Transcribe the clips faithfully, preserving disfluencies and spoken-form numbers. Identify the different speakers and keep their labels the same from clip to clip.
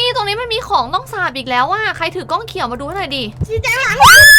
Speaker 1: ตรงนี้มันมีของต้องสาบอีกแล้วอ่ะใครถือกล้องเขียวมาดูหน่อยดิ
Speaker 2: ชี้แจงหลัง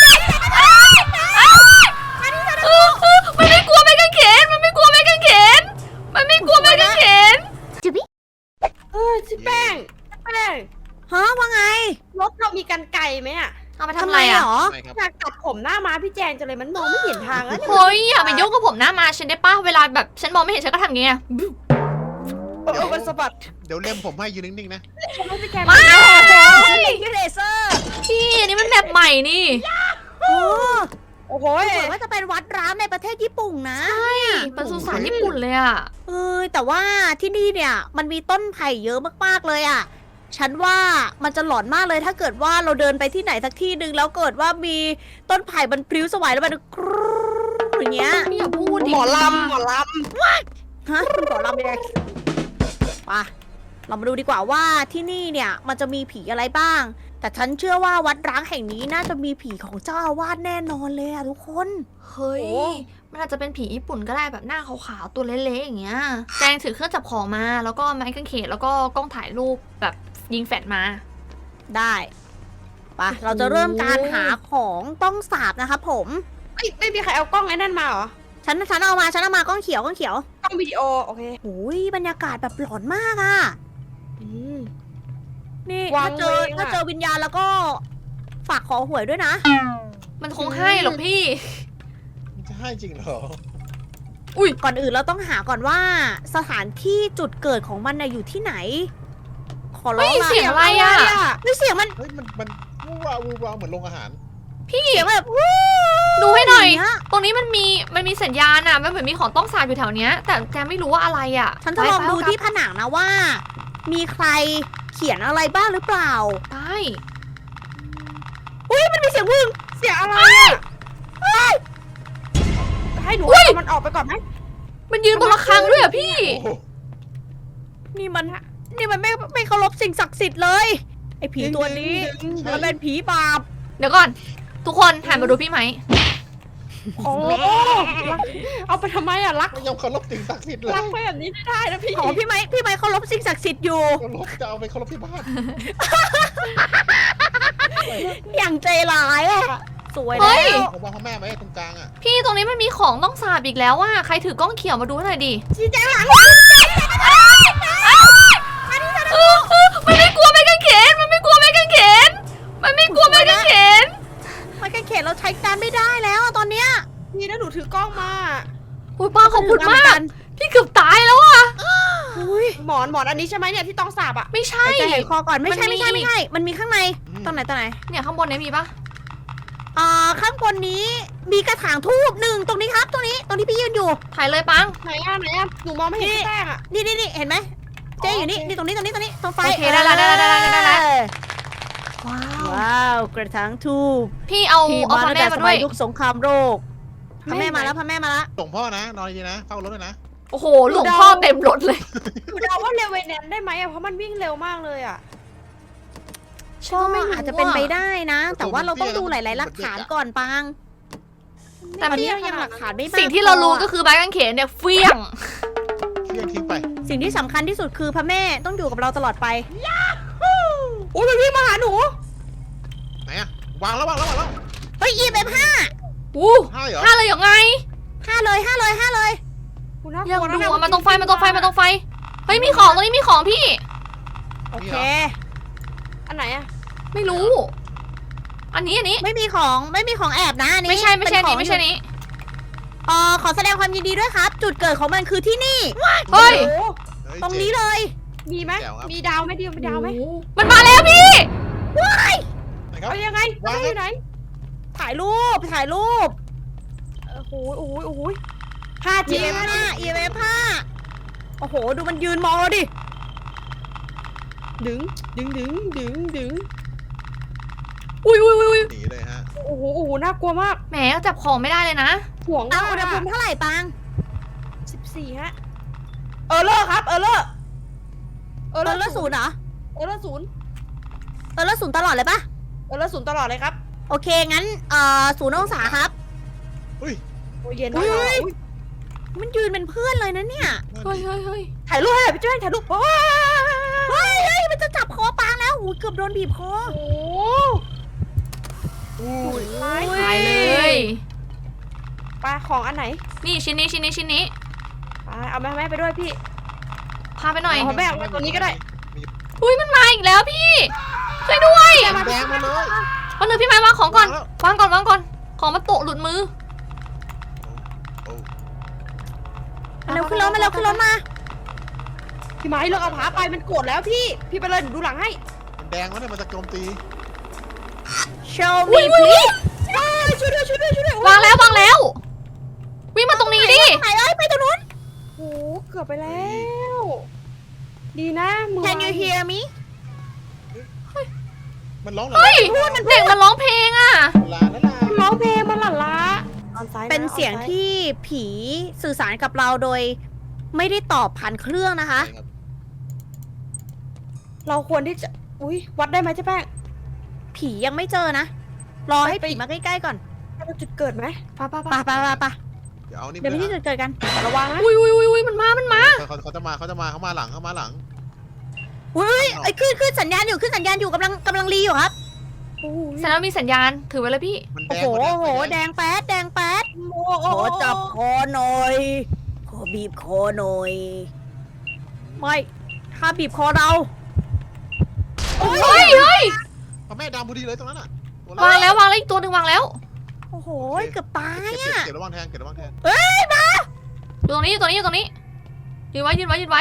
Speaker 1: มันไม่กลัวไม่กางเขนมันไม่กลัวไม่กางเขนมันไม่กลัวไม่กางเขน
Speaker 2: เออชิแป้งแป้ง
Speaker 3: ฮะว่าไง
Speaker 2: รถเรามีกันไกลไหมอ่ะ
Speaker 1: เอามาทำอะไร
Speaker 3: เห
Speaker 1: อ่ะ
Speaker 3: รอ
Speaker 4: ไม่ครับ
Speaker 2: อยากตัดผมหน้าม้าพี่แจงจังเลยมันมองไม่เห็นทางแล้วเนี่ย
Speaker 1: เฮ้ยอย่าไปยุ่งกับผมหน้ามาฉันได้ป่ะเวลาแบบฉันมองไม่เห็นฉันก็ทำอย่างเงี้ย
Speaker 2: เออมันสะบัด
Speaker 4: เดี๋ยวเล่มผมให้ยืนนิ่งๆนะ
Speaker 2: ให้พี่แจง
Speaker 1: ไม่
Speaker 3: ยูเลเซอร์
Speaker 1: พี่อันนี้มันแบบใหม่นี่
Speaker 3: โอ้
Speaker 2: โอ้โห
Speaker 3: เหมือนว่าจะเป็นวัดร้างในประเทศญี่ปุ่นนะ
Speaker 1: ใช่เป็นสุสานญี่ปุ่นเลยอ่ะ
Speaker 3: เออแต่ว่าที่นี่เนี่ยมันมีต้นไผ่เยอะมากๆเลยอ่ะ ฉันว่ามันจะหลอนมากเลยถ้าเกิดว่าเราเดินไปที่ไหนสักที่หนึ่งแล้วเกิดว่ามีต้นไผ่มันพลิ้วสวายแล้วมันกรู๊ดอย่างเงี้ย
Speaker 1: ไม่อยากพูดดิ
Speaker 2: หมอลำหมอล
Speaker 3: ฮะคุณขอลำเลยไปเรามาดูดีกว่าว่าที่นี่เนี่ยมันจะมีผีอะไรบ้าง แต่ฉันเชื่อว่าวัดร้างแห่งนี้น่าจะมีผีของเจ้าอาวาสแน่นอนเลยอะทุกคน
Speaker 1: เฮ้ยมันอาจจะเป็นผีญี่ปุ่นก็ได้แบบหน้าขาวๆตัวเละๆอย่างเงี้ยแจงถือเครื่องจับของมาแล้วก็ไม้กางเขนแล้วก็กล้องถ่ายรูปแบบยิงแฟลชมา
Speaker 3: ได้ไปเราจะเริ่มการหาของต้องสาบนะคะผม
Speaker 2: ำไม่ไม่มีใครเอากล้องไอ้นั่นมาเหรอ
Speaker 3: ฉันฉันเอามาฉันเอามากล้องเขียวกล้องเขียว
Speaker 2: กล้องวิดีโอโอเค
Speaker 3: โอ้ยบรรยากาศแบบหลอนมากอะ
Speaker 2: อืม
Speaker 3: นี่
Speaker 2: วา
Speaker 3: ถ้าง เจอ
Speaker 2: เวงอะ
Speaker 3: ถ้าเจอวิญญาณแล้วก็ฝากขอหวยด้วยนะ
Speaker 1: มันคงให้หรอกพี่
Speaker 4: มันจะให้จริงเหรอ
Speaker 3: ก่อนอื่นเราต้องหาก่อนว่าสถานที่จุดเกิดของมันน่ะอยู่ที่ไหน ขอร้
Speaker 1: เฮ้
Speaker 3: อง
Speaker 1: ย
Speaker 3: ละ
Speaker 1: เสียงอะไรอะ
Speaker 3: เฮ้ยเสียงมัน
Speaker 4: เฮ้ยมันมันวูวาวูวาเหมือนโรงอาหาร
Speaker 1: พี่
Speaker 3: เสียงแบบวู้
Speaker 1: ดูให้หน่อย
Speaker 3: างเงี้
Speaker 1: ตรงนี้มันมีมันมีสัญญาณอะมันเหมือนมีของต้องสาบอยู่แถวเนี้ย แต่แจงไม่รู้ว่าอะไรอะ
Speaker 3: ฉันจะลอง
Speaker 1: ไป
Speaker 3: ดู
Speaker 1: ไป
Speaker 3: ที่ผนังนะว่า มีใครเขียนอะไรบ้างหรือเปล่า
Speaker 1: ได้
Speaker 3: อุ้ยมันมีเสียงวึง
Speaker 2: เสียงอะไรอะให้หนูเอามันออกไปก่อนไหม
Speaker 1: มันยืนบนระฆังด้วยอะพี่
Speaker 4: โอ้โห
Speaker 3: นี่มันนี่มันไม่ไม่เคารพสิ่งศักดิ์สิทธิ์เลยไอ้ผีตัวนี้ มันเป็นผีบาป
Speaker 1: เดี๋ยวก่อน ทุกคนหันมาดูพี่ไหม
Speaker 2: โอ้เอาไปทำไมอะรัก
Speaker 4: ไม่ยอมเคารพสิ่งศักดิ์สิทธิ์เล
Speaker 2: รั
Speaker 4: ย
Speaker 2: กไปแบบนี้ไม่ได้นะพี่
Speaker 3: ของพี่ไม้พี่ไม้เคารพสิ่งศักดิ์สิทธิ์อยู่
Speaker 4: เคารพจะเอาไปเคารพที่บ้าน
Speaker 3: อย่างใจร้ายอะสวย
Speaker 1: เฮ้
Speaker 3: แล้
Speaker 1: ย
Speaker 3: ว
Speaker 4: ผมวางพ่อแม่ไว้ตรงกลางอ่ะ
Speaker 1: พี่ตรงนี้มันมีของต้องสาบอีกแล้วอะใครถือกล้องเขียวมาดูหน่อยดิ
Speaker 2: ชี้แจงหลัง
Speaker 1: มันไม่กลัวไม่กางเขนมันไม่กลัวไม่กางเขนมันไม่กลัวไม่กางเขน
Speaker 3: ไม้กางเขนเราใช้การไม่ได้แล้วอะตอนเนี้ย
Speaker 2: พี่นะหนูถือกล้องมา
Speaker 1: อุ้ยป้าขอบคุณมาก
Speaker 3: กัน
Speaker 1: พี่เกือบตายแล้วอะ
Speaker 3: อุ้ย
Speaker 2: หมอนหมอนอันนี้ใช่ไหมเนี่ยที่ต้องสาบอะ
Speaker 1: ไม่ใช่
Speaker 3: หายใจหายคอก่อนไม่ใช่
Speaker 1: มันมี
Speaker 3: ไม่ใช่ไม่ใช่มันมีข้างใน
Speaker 4: อืม
Speaker 3: ตรงไหนตรงไหน
Speaker 1: เนี่ยข้างบนเนี้มีปะ
Speaker 3: อ่าข้างบนนี้มีกระถางทูบหนึ่งตรงนี้ครับ ตรงนี้ตรงที่พี่ยืนอยู่
Speaker 1: ถ่ายเลยปัง
Speaker 2: ไหนอะไหนอะหนูมองไม่เห็นพี่แป้งอะ
Speaker 3: นี่นี่นี่เห็นไหมเจ๊อยู่นี่
Speaker 2: โอเค
Speaker 3: นี่ตรงนี้ตรงนี้ตรงนี้ตรงไฟ
Speaker 1: โอเคได้แล้วได้แล้วได้แล้วได้แล้ว
Speaker 3: เออ
Speaker 1: ว้าว
Speaker 3: ว้าวกระถางทูบ
Speaker 1: พี่เอา
Speaker 3: ที่
Speaker 1: เอา
Speaker 3: มา
Speaker 1: พระ
Speaker 3: ตั้ง
Speaker 1: แม่
Speaker 3: แต่ส
Speaker 1: มาด้
Speaker 3: มั
Speaker 1: วย ย
Speaker 3: ยุคสงครามโลกพระแม่มาแล้วพระแม่มาแล้ว
Speaker 4: ส่งพ่อนะนอนดีๆนะเฝ้ารถด้วยนะ
Speaker 1: โอ้โหหลวงพ่อเต็มรถเลย
Speaker 2: หนูเดาว่าเรเวเนนได้ไหมอะเพราะมันวิ่งเร็วมากเลยอะ
Speaker 1: ฉันก็ไม่รู้
Speaker 3: อาจจะเป็นไป
Speaker 1: อะ
Speaker 3: ได้นะ แต่ว่าเราต้องดูหลาย ๆ หลักฐานก่อนปัง
Speaker 1: แต่
Speaker 3: ตอนนี้เรายังหลักฐานไม่มาก
Speaker 1: สิ่งที่เรารู้
Speaker 3: พอ
Speaker 1: ก็คือไม้กางเขนเนี่ยเฟี้ยง
Speaker 4: เที่ยงทิ้งไป
Speaker 3: สิ่งที่สำคัญที่สุดคือพระแม่ต้องอยู่กับเราตลอดไป
Speaker 2: โอ้ยมันวิ่งมาหาหนู
Speaker 4: ไหนอ่ะวางแล้ววางแล้ววางแล้ว
Speaker 3: เฮ้ย อี เอฟ ห้า
Speaker 1: อู้
Speaker 4: ให้เหรอ
Speaker 1: ห้าเลยยังไง
Speaker 3: ห้าเลยห้าเลยห้าเลย
Speaker 2: กูน่าก
Speaker 1: ยัง
Speaker 2: ลัวนะ
Speaker 1: ดู
Speaker 2: เนี่ย
Speaker 1: อะมาตรงไฟมาตรงไฟมาตรงไฟ เฮ้ยมีของตรงนี้มีของพี่
Speaker 3: โอเค
Speaker 2: อันไหนอะ
Speaker 1: ไม่รู้ อันนี้อันนี้
Speaker 3: ไม่มีของไม่มีของแอบนะอันนี้
Speaker 1: ไม่ใช่ไม่ใช่
Speaker 3: เป็
Speaker 1: นี้
Speaker 3: ของ
Speaker 1: ไม่ใช่นี้
Speaker 3: เอ่อขอแสดงความยินดีด้วยครับ จุดเกิดของมันคือที่นี่
Speaker 1: เฮ้ย
Speaker 2: โอ้โห
Speaker 4: เฮ้ย
Speaker 3: ตรงนี้เลย
Speaker 2: มีไหม
Speaker 4: แจ๋วครับ
Speaker 2: มีดาวไหมดิวมีดาวไหม
Speaker 1: โอ้โหมันมาแล้วพี่
Speaker 4: ไหนครับ
Speaker 2: เอายังไง
Speaker 4: วาง
Speaker 2: เอาอยู่ไหน
Speaker 3: ถ่ายรูปถ่ายรูป
Speaker 2: โอ้โหโอ้โหโอ้โหห้า
Speaker 3: อี
Speaker 2: จี
Speaker 3: เอฟห้าอีเอฟห้าโอ้โห ดูมันยืนมองเราดิ
Speaker 2: ดึงดึงดึงดึงดึง
Speaker 1: อุ้ยอุ้ยอุ้ย
Speaker 4: หนีเลยฮะ
Speaker 2: โอ้โหโอ้โหน่ากลัวมาก
Speaker 1: แหมจับของไม่ได้เลยนะ
Speaker 2: ห่วง
Speaker 3: ตั
Speaker 2: มาง ก
Speaker 3: อุณหภูมิเท่าไหร่ปัง
Speaker 2: สิบสี่ฮะเออเลอร์ครับเออเลอร์เอ
Speaker 3: เอ
Speaker 2: อ
Speaker 3: อ
Speaker 2: เลอร์
Speaker 3: แล้วศูนย์เหรอ
Speaker 2: เออเลอร์ศูนย์
Speaker 3: เออแล้วศูนย์ตลอดเลยปะ
Speaker 2: เออเลอร์ศูนย์ตลอดเลยครับ
Speaker 3: โอเค งั้นเอ่อศูนย์องศาครับ
Speaker 4: อุ้ย
Speaker 2: โอ้ยเย็น
Speaker 3: อุ้
Speaker 2: มาก
Speaker 3: ย มันยืนเป็นเพื่อนเลยนะเนี่ย
Speaker 1: เฮ้ยเฮ้ยเฮ้ย
Speaker 2: ถ่ายรูปให้หน่อยพี่เจ้าถ่ายรูปโอ้ย
Speaker 3: เฮ้ยเฮ้ยมันจะจับคอปางแล้วโอ้ยเกือบโดนบีบคอ
Speaker 2: โอ้
Speaker 4: อู้ย
Speaker 2: ตาย
Speaker 1: ตายเลย
Speaker 2: ปลาของอันไหน
Speaker 1: นี่ชิ้นนี้ชิ้นนี้ชิ้นนี้
Speaker 2: ไปเอาแม่แม่ไปด้วยพี่
Speaker 1: พาไปหน่อย
Speaker 2: เาแม่เอาไว้ตัวนี้ก็ได้
Speaker 1: อุ้ยมันมาอีกแล้วพี่ช่วยด้วย
Speaker 4: มันแดงมาเลย
Speaker 1: วันหนึ่งพี่ไม้วางของก่อน
Speaker 4: วางแล้ว
Speaker 1: วางก่อนวางก่อน ของมันตกหลุดมือ
Speaker 4: โอ้
Speaker 3: มาเร็วขึ้นรถมาเร็วขึ้นรถมา
Speaker 2: พี่ไม้เลิกเอาผาไปมันโกรธแล้วพี่ พี่ไปเลยหนูดูหลังให้
Speaker 4: มันแดงแล้วเนี่ยมันจะโจมตี
Speaker 3: show me please
Speaker 2: ช่วยด้วยช่วยด้วยช่วยด้วย
Speaker 1: วางแล้ววางแล้ว วิ่งมาตรงนี้ดิ
Speaker 3: ไหนเอ้ยไปตรงนู้น
Speaker 2: โอ้เกือบไปแล้ว ดีนะมือ
Speaker 3: Can you hear me
Speaker 4: มันร้อง
Speaker 1: เฮ้ย
Speaker 4: ลา
Speaker 1: เด็กมันร้องเพลงอ่ะ
Speaker 4: ลาแล้วลา
Speaker 2: ร้องเพลงมันหลั่นล้าออนไซด์ะ
Speaker 3: เป็นเสียง
Speaker 2: ออนไซด์
Speaker 3: ที่ผีสื่อสารกับเราโดย ไม่ได้ตอบผ่านเครื่องนะคะ
Speaker 4: ใช่ครับ
Speaker 2: เราควรที่จะ อุ้ยวัดได้ไหมเจ๊แป้ง
Speaker 3: ผียังไม่เจอนะ รอให้
Speaker 2: ไป
Speaker 3: ผีมาใกล้ๆก่อน
Speaker 2: ให้เราจุดเกิดไหม
Speaker 1: ปะปะ
Speaker 3: ไป
Speaker 1: ปะ
Speaker 3: ไปไปไป
Speaker 4: เดี๋ยวเอานี่
Speaker 3: เดี๋ยวไปที่จุดเกิดกัน
Speaker 2: แต่ระวังนะ
Speaker 1: อุ้ยอุ้ยอุ้ยอุ้ยมันมา มันมา
Speaker 4: เขาเขาจะมาเขาจะมาเขามาหลังเขามาหลัง
Speaker 3: อุ้ยไอ้ยขึ้นขึ้นสัญญาณอยู่ขึ้นสัญญาณอยู่กำลังกำลังรีอยู่ครับ
Speaker 2: โอ้โห
Speaker 1: แสดงว่ามีสัญญาณ ถือไว้เลยพี่
Speaker 4: มันแด
Speaker 3: โอ้
Speaker 4: ง
Speaker 3: โห
Speaker 4: มัน
Speaker 3: โอ้โห
Speaker 4: มัน
Speaker 3: แดงแป๊ดแดงแป๊ด
Speaker 2: โอ้
Speaker 3: ขอจับคอหน่อย ขอบีบคอหน่อย ไม่ถ้าบีบคอเรา
Speaker 1: เฮ้ยเฮ้ย
Speaker 4: พระแม่ดำพอดีเลยตรงนั้นอ่ะตัว
Speaker 1: วางแล้ววางแล้วอีกตัวหนึ่งวางแล้ว
Speaker 3: โอ้โหเกือบตาย
Speaker 4: เก็บ
Speaker 3: อ่ะ
Speaker 4: เก็บระวังแทงเก็บระวังแทง
Speaker 1: อยู่ตรงนี้อยู่ตรงนี้อยู่ตรงนี้ ยืนไว้ยืนไว้ยืนไว้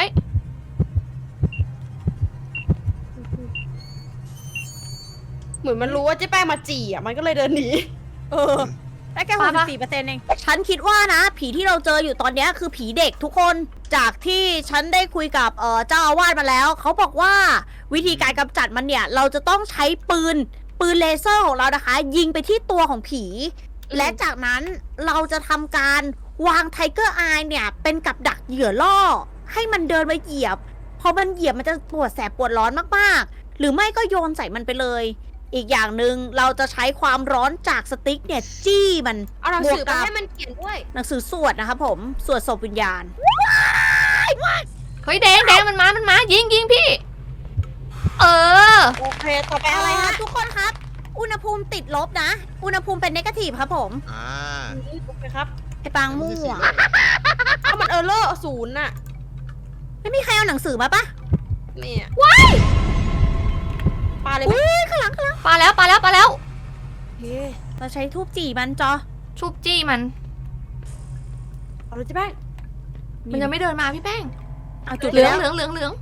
Speaker 2: เหมือนมันรู้ว่าเจ๊แป้งมาจี่อ่ะ มันก็เลยเดินหนี
Speaker 3: เออได้แค่หกสิบสี่เปอร์เซ็นต์เอง ฉันคิดว่านะ ผีที่เราเจออยู่ตอนเนี้ยคือผีเด็กทุกคน จากที่ฉันได้คุยกับเอ่อเจ้าอาวาสมาแล้ว เขาบอกว่าวิธีการกำจัดมันเนี่ย เราจะต้องใช้ปืน ปืนเลเซอร์ของเรานะคะ ยิงไปที่ตัวของผี และจากนั้นเราจะทำการวางไทเกอร์อายเนี่ย เป็นกับดักเหยื่อล่อ ให้มันเดินมาเหยียบ พอมันเหยียบมันจะปวดแสบปวดร้อนมากๆ หรือไม่ก็โยนใส่มันไปเลย อีกอย่างหนึ่งเราจะใช้ความร้อนจากสติ๊กเนี่ยจี้มัน
Speaker 2: เอาหนังสือบ
Speaker 3: วกกั
Speaker 2: มา
Speaker 3: บ
Speaker 2: ให้มันเขียนด้วย
Speaker 3: หนังสือสวดนะครับผม สวดศพวิญญาณ
Speaker 1: เฮ้ยแดงแดงมันมา มันมา ยิงยิงพี่ เออ
Speaker 2: โอเค ต่อไปอะไรฮะ
Speaker 3: ทุกคนครับ อุณหภูมิติดลบนะ อุณหภูมิเป็นเนกาทีฟครับผม
Speaker 4: อ่า
Speaker 2: โอเคครับ
Speaker 3: ไอ้ปังมั่ว
Speaker 2: เอามันเออร์เลอร์ศูนย์น่ะ
Speaker 3: ไม่มีใครเอาหนังสือมาปะ
Speaker 2: เนี่ย
Speaker 1: ว้าย
Speaker 2: ปลาเลยไหม
Speaker 3: อุ้ยข้างหลังข้างหลัง
Speaker 1: ปาแล้วปาแล้วปาแล้ว
Speaker 2: โอเค
Speaker 3: เราใช้ทูบจี่มันจอ
Speaker 1: ชุบจี้มัน
Speaker 2: เอาเลยเจ๊แป้ง
Speaker 1: มันยังไม่เดินมาพี่แป้ง
Speaker 3: เอาจุด
Speaker 1: เหลือง
Speaker 3: แล้ว
Speaker 1: เหลืองเหลืองเหลือง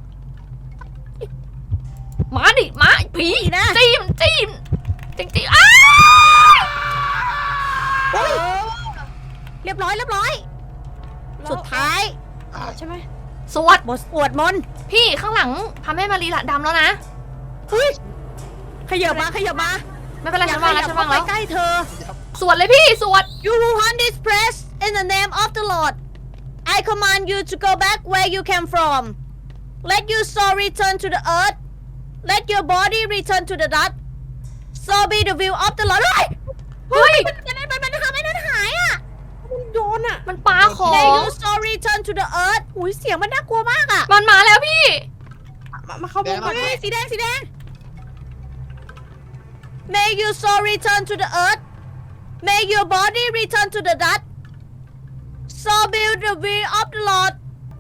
Speaker 1: มาดิมาผี
Speaker 3: ผีนะ
Speaker 1: จี้มจี้มจริงจริงอ้า
Speaker 3: เฮ้ยเรียบร้อยเรียบร้อย สุดท้าย
Speaker 2: อ่าใช่ไหม
Speaker 1: สวด
Speaker 3: บทสวดมนต์
Speaker 1: พี่ข้างหลังพระแม่มารีละดำแล้วนะ
Speaker 3: ขยับมาขยับมา
Speaker 1: ไม่เป็นไร
Speaker 3: อย่า
Speaker 1: ฉันวางแล้ว
Speaker 3: ขยั
Speaker 1: ฉั
Speaker 3: บ
Speaker 1: นวาง
Speaker 3: เข้า
Speaker 1: แล้ว
Speaker 3: ไปใกล้เธอ
Speaker 1: สวดเลยพี่สวด
Speaker 3: You who hunt this press in the name of the Lord I command you to go back where you came from Let your soul return to the earth Let your body return to the dust So be the will of the Lord เฮ้ย
Speaker 1: เฮ้ย
Speaker 3: มันมันมันมันทำให้นั่นหายอ่ะ
Speaker 2: มันโยนอ่ะ
Speaker 1: มันปาขอ
Speaker 3: Let
Speaker 1: ง
Speaker 3: your soul return to the earth อุ้ยเสียงมันน่ากลัวมากอ่ะ
Speaker 1: มันมาแล้วพี่
Speaker 2: มามาเข้าวงก่อน
Speaker 3: เฮ้ยสีแดงสีแดง May your soul return to the earth May your body return to the dust So be the will of the Lord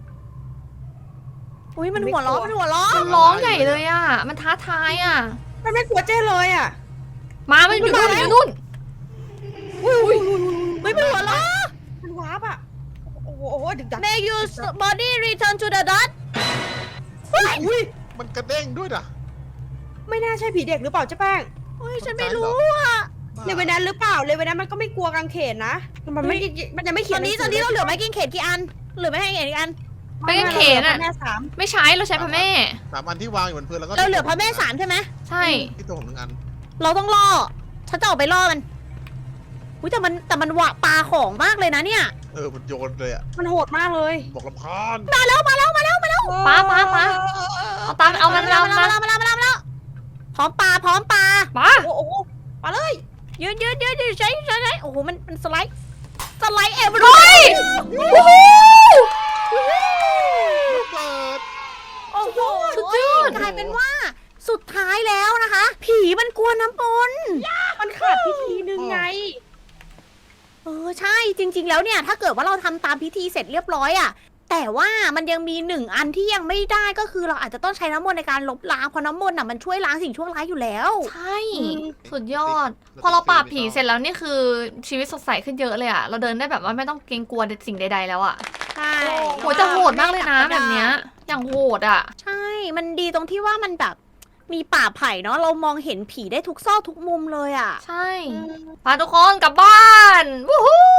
Speaker 3: อุ้ยมันหัวล้อมันหัวล้อ
Speaker 1: มันร้องใหญ่เลยอ่ะ มันท้าทายอ่ะ
Speaker 2: มันไม่กลัวเจ้เลยอ่ะ
Speaker 1: มา มันอยู่นู่นอยู่นู่น
Speaker 2: อุ้ยอุ้ย
Speaker 3: ไม่เป็นหัวล้อ
Speaker 2: มันวาร์ปอ่ะ โอ้โหโอ้โหดึกดัก
Speaker 3: May your body return to the dust
Speaker 2: อุ้ย
Speaker 4: มันกระเด้งด้วยนะ
Speaker 2: ไม่น่าใช่ผีเด็กหรือเปล่าเจ๊แป้ง
Speaker 3: เฮ้ยฉันไม่รู้อ่ะ
Speaker 2: เลเวนแนนหรือเปล่า เลเวนแนนมันก็ไม่กลัวกางเขนนะ มันไม่ มันยังไม่
Speaker 3: ต
Speaker 2: เขีย
Speaker 3: อน นนี้ตอนนี้เราเหลือไม้กิ้งเขนกี่อัน เหลือไม้กิ้งเขนกี่อัน
Speaker 1: ไม่กางเขนอะ
Speaker 2: แม่สาม
Speaker 1: ไม่ใช้เราใช้พระแม่
Speaker 4: สามอันที่วางอยู่บนพื้นแล้วก็
Speaker 3: เราเหลือพระแม่สามใช่ไหม
Speaker 1: ใช่
Speaker 4: ที่ตัวผมหนึ่งอัน
Speaker 3: เราต้องล่อ ฉันจะออกไปล่อมันอุ้ยแต่มันแต่มันหวะปลาของมากเลยนะเนี่ย
Speaker 4: เออมันโยนเลยอ่ะ
Speaker 2: มันโหดมากเลย
Speaker 4: บอกลำคาญ
Speaker 3: มาแล้วมาแล้วมาแล้วมาแล้ว
Speaker 1: ปลาปลาปลา เอาตามเอามัน
Speaker 3: มา
Speaker 1: เอา
Speaker 3: แล้ว
Speaker 1: มา
Speaker 3: มาแล้วมาแล้วมาแล้วมาแล้วพร้อมปลาพร้อมปลา
Speaker 1: ปลา
Speaker 2: โอ้โหมาเลย
Speaker 3: ยืนยืนยืนยืนใช้ใช้ใช้โอ้โหมันมันสไลด์สไลด์เอว
Speaker 1: เฮ้ยโอ้โห
Speaker 4: ระเบิด
Speaker 3: โอ้โห
Speaker 1: สุดยอด
Speaker 3: กลายเป็นว่าศสุดท้ายแล้วนะคะ ผีมันกลัวน้ำมนต์
Speaker 2: มันขาดพิธีหนึ่งไง
Speaker 3: เออใช่จริง ๆ แล้วเนี่ย ถ้าเกิดว่าเราทำตามพิธีเสร็จเรียบร้อยอะแต่ว่ามันยังมีหนึ่งอันที่ยังไม่ได้ก็คือเราอาจจะต้องใช้น้ำมนต์ในการลบล้างเพราะน้ำมนต์น่ะมันช่วยล้างสิ่งชั่วร้ายอยู่แล้ว
Speaker 1: ใช่ สุดยอด พอเราปราบผีเสร็จแล้วนี่คือชีวิตสดใสขึ้นเยอะเลยอะเราเดินได้แบบว่าไม่ต้องเกรงกลัวสิ่งใดๆแล้วอะ
Speaker 3: ใช่
Speaker 1: โหแต่โหดมากเลยนะแบบเนี้ย อย่างโหดอะ
Speaker 3: ใช่ มันดีตรงที่ว่ามันแบบมีป่าไผ่เนาะเรามองเห็นผีได้ทุกซอกทุกมุมเลยอะ
Speaker 1: ใช่พาทุกคนกลับบ้านวู้ฮู้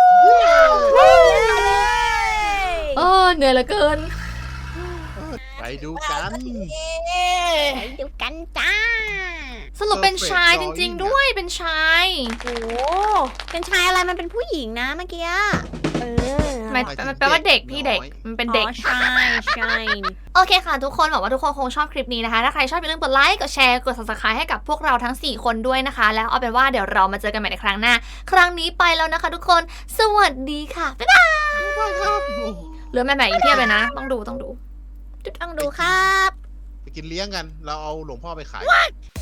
Speaker 1: เออเหนื่อยเหลือเกิน
Speaker 4: ไปดูกัน
Speaker 3: ไปดูกันจ้า
Speaker 1: สรุปเป็นชาย
Speaker 4: Perfect
Speaker 1: จริง
Speaker 4: drawing
Speaker 1: ๆด้วยเป็นชาย
Speaker 3: โอ้เป็นชายอะไรมันเป็นผู้หญิงนะเมื่อกี้
Speaker 2: เออ
Speaker 1: หมายมันแปลว่าเด็กพี่เด็กมันเป็นเด็ก
Speaker 3: อ๋อใช่ใช่
Speaker 1: โอเคค่ะทุกคนหวังว่าทุกคนคงชอบคลิปนี้นะคะ ถ้าใครชอบอย่าลืมกดไลค์กดแชร์กด ซับสไครบ์ ให้กับพวกเราทั้งสี่คนด้วยนะคะ แล้วเอาเป็นว่าเดี๋ยวเรามาเจอกันใหม่ในครั้งหน้า ครั้งนี้ไปแล้วนะคะทุกคนสวัสดีค่ะบ๊ายบายเหลือแม่แม่อีกเพียบเลยนะ ต้องดูต้องดู
Speaker 3: ต้องดูครับ
Speaker 4: ไปกินเลี้ยงกัน เราเอาหลวงพ่อไปขาย